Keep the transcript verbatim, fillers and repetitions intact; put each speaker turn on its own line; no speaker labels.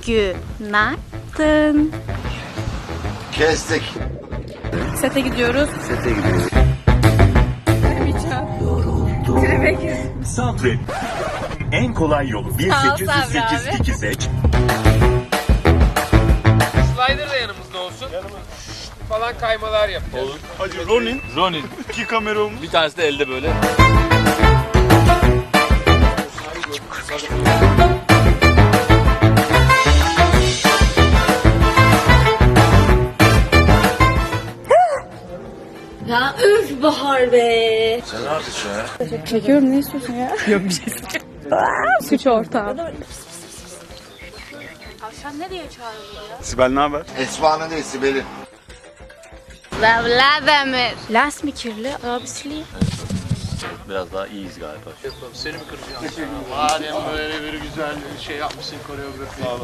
Günaydın.
Kestik.
Sete gidiyoruz.
Sete gidiyoruz.
Sabret. En kolay yolu bir
Sağ ol
sekiz yüz sekiz
Sabri abi.
tiki seç.
Slider da yanımızda olsun. Yanımızda falan kaymalar yapacağız. Olur.
Hacı Ronin,
Ronin.
iki kameramız.
Bir tanesi de elde böyle.
Ya üf Bahar be.
Sen ne yapıyorsun ya?
Çekiyorum, ne istiyorsun ya? Yok bir şey. Suç ortağı. Tavşan nereye çağrılıyor ya?
Sibel ne haber?
Esma'nın değil Sibel'in.
Vladimir. Las mı kirli? Abisi.
Biraz daha iyiyiz galiba.
Seni mi kıracağım? Madem böyle bir güzel şey yapmışsın koreografi.